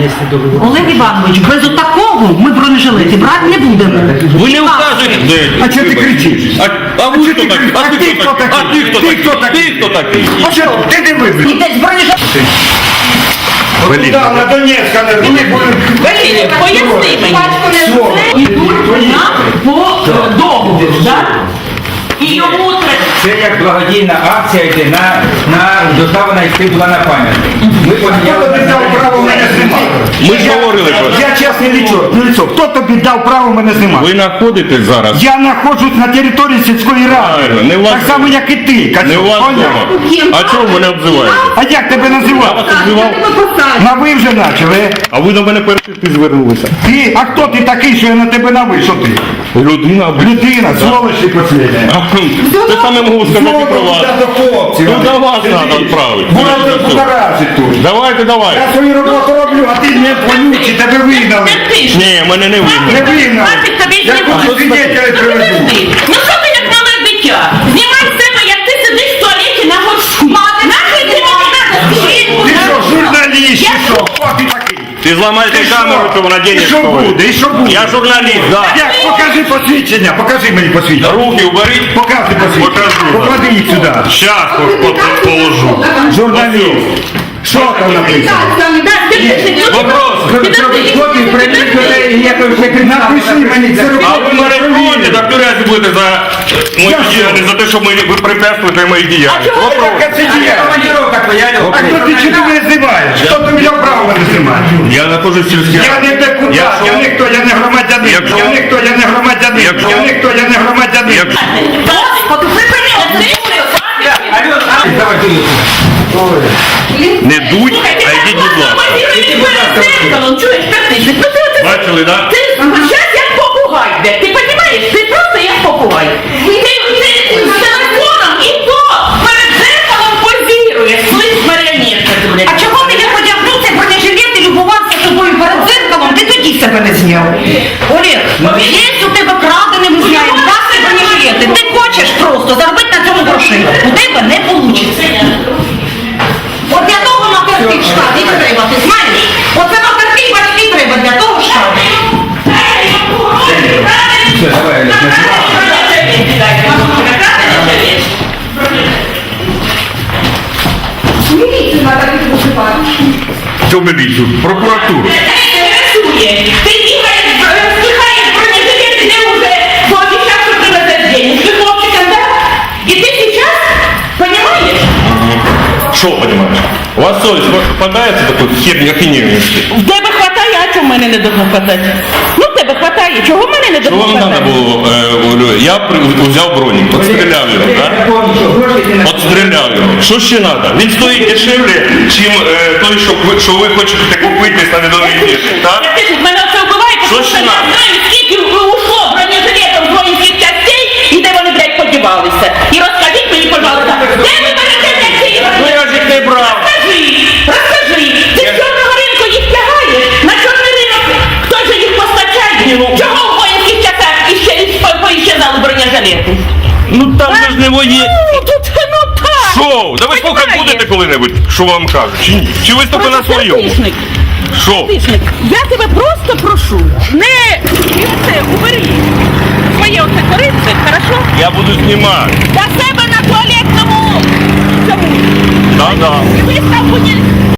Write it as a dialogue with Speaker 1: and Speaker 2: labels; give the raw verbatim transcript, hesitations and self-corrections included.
Speaker 1: Олег Іванович, без отакого ми бронежилети брати не будемо.
Speaker 2: Ви не вказуєте.
Speaker 3: А чого ти кричиш?
Speaker 2: А, а ви хто такий? А ти хто такий? А ти хто такий? Ти хто такий?
Speaker 3: А що? Ти не вибив?
Speaker 1: Ідеться бронежилети.
Speaker 3: Блін, на Донецька не були.
Speaker 1: Поясни мені. Ідуть нам по е, договору, так? І йому треба...
Speaker 4: Це як благодійна акція йде на, на доставлена йти була на пам'ятник. Ми
Speaker 3: Хто тобі дав право мене знімати?
Speaker 2: Ми ж говорили про це.
Speaker 3: Я чесне лічо, ну лицо, хто тобі дав право мене знімати?
Speaker 2: Ви знаходитесь зараз.
Speaker 3: Я знаходжусь на території сільської ради.
Speaker 2: Правильно, не у вас
Speaker 3: Так само, як і ти.
Speaker 2: Не у вас
Speaker 3: Поняв?
Speaker 2: вдома. А чого ви мене обзиваєте?
Speaker 3: А як тебе
Speaker 2: Я
Speaker 3: називав?
Speaker 2: вас обзивав?
Speaker 3: На ви вже почали.
Speaker 2: А ви до мене перший ти звернулися.
Speaker 3: Ти, а хто ти такий, що я на тебе на ви? Що ти?
Speaker 2: Людина, блін.
Speaker 3: Людина, сволочі последня.
Speaker 2: Те саме можу сказати і про вас.
Speaker 3: до хлопців.
Speaker 2: Ну до вас треба відправити.
Speaker 3: Будете покаражити тут.
Speaker 2: Давайте, давайте.
Speaker 3: Я свою роботу роблю, а ти не вонючий, тебе вигнали.
Speaker 2: Ні, мене не
Speaker 3: Не
Speaker 2: видно.
Speaker 3: вигнали.
Speaker 1: Нафіг тобі
Speaker 3: Я
Speaker 1: знімати?
Speaker 3: хочу свідетеля приведу.
Speaker 1: Ну що ти як мале дитя? Знімай з себе, як ти сидиш в туалеті на горшку. Нахуй ти мені надо?
Speaker 3: Ти що, журналіст, чи що? Хто ти такий?
Speaker 2: Ти зламаєте
Speaker 3: Ти що?
Speaker 2: камеру, то вона
Speaker 3: І
Speaker 2: денег
Speaker 3: що
Speaker 2: стоїть.
Speaker 3: буде? І що буде?
Speaker 2: Я журналіст, да.
Speaker 3: Як? Покажи посвідчення, покажи мені посвідчення.
Speaker 2: Руки уберіть.
Speaker 3: Покажи посвідчення.
Speaker 2: Покажу.
Speaker 3: Поклади їх сюди.
Speaker 2: Щас положу.
Speaker 3: Журналіст. Що там написано?
Speaker 2: Вопрос.
Speaker 3: Напиши мені, це
Speaker 2: А ви
Speaker 3: робота.
Speaker 2: мене ходите, так туряці будете за мої
Speaker 3: Я що?
Speaker 2: діяльність, за те, що ми, ви препятствуєте моїй діяльності.
Speaker 3: Яка це діяльність?
Speaker 4: командировка твоя.
Speaker 3: А хто ти чи ти мене знімаєш? Хто тобі дав право мене знімати?
Speaker 2: Я знаходжусь в сільській
Speaker 3: Я не депутат,
Speaker 2: Якщо-
Speaker 3: я ніхто, я не громадянин.
Speaker 2: Якщо-
Speaker 3: Я ніхто, я не громадянин.
Speaker 2: Якщо-
Speaker 3: Я ніхто, я не громадянин.
Speaker 2: Якщо-
Speaker 1: Господи, припини оце.
Speaker 4: Давай,
Speaker 2: Не дуть, а йдіть, будь ласка.
Speaker 1: Чуєш, Петриці,
Speaker 2: Бачили, так?
Speaker 1: ти зараз як попугай йде. Ти розумієш? Ти просто як попугай. Ти, ти з телефоном і то перед зеркалом позіруєш. Слизь маріонетка.
Speaker 5: А чого ти не одягнув цей бронежилет і любувався собою перед зеркалом? Ти тоді себе не зняв. Олег, є у тебе крадене, ми знаємо, власне бронежилети. Ти хочеш просто заробити на цьому грошей. У тебе не вийде. От для того макарки в штат і треба, ти знаєш? Оце макарки і батьки треба для того штату.
Speaker 4: Все, давай, Олег,
Speaker 5: Міліцію треба відпочивати.
Speaker 2: Цю міліцію, прокуратуру.
Speaker 1: Ти їхаєш, встихаєш бронежилети, де вже пообіцяв, що привезеш денег. Ти хлопчиком, так? І ти зараз, розумієш?
Speaker 2: Що, понимаешь? У вас совесть попадается такой херня ахинеющий?
Speaker 1: В тебе хватає, а чого в мене не должно хватати? Ну, в тебе хватає, чого в мене не
Speaker 2: Що
Speaker 1: должно
Speaker 2: вам
Speaker 1: хватати?
Speaker 2: треба було, е, Олю? Я при- взяв бронік, отстріляв його, так? Отстріляв його. Що ще треба? Він стоїть дешевле, чим е, той, що ви, що ви хочете купити на недовій вірші, так?
Speaker 1: Я кажу, мене це вбиває,
Speaker 2: Що
Speaker 1: тому
Speaker 2: ще
Speaker 1: що я
Speaker 2: надо?
Speaker 1: знаю, скільки ушло бронежилетів з воїнських частей і де вони, блядь, подівалися. І розкажіть мені, пожалуйста, де ви берете ці
Speaker 2: Ну я ж їх не брав.
Speaker 1: Розкажи, розкажи, ти з чорного ринку їх тягаєш? На чорний ринок хто ж їх постачає? Чого в воїнських частях іще поіщезали бронежилети?
Speaker 2: Ну там же ж не воє.
Speaker 1: Ну, тут, ну так.
Speaker 2: Що? Да ви слухати
Speaker 1: Понімаєш?
Speaker 2: будете коли-небудь, що вам кажуть? Чи ні? Чи ви тільки на своєму?
Speaker 1: Бронетехнік.
Speaker 2: Що?
Speaker 1: Тишник, я тебе просто прошу, не і оце, убери своє оце корице, хорошо?
Speaker 2: Я буду знімати.
Speaker 1: До себе на туалетному цьому.
Speaker 2: Да-да.
Speaker 1: Вистав будь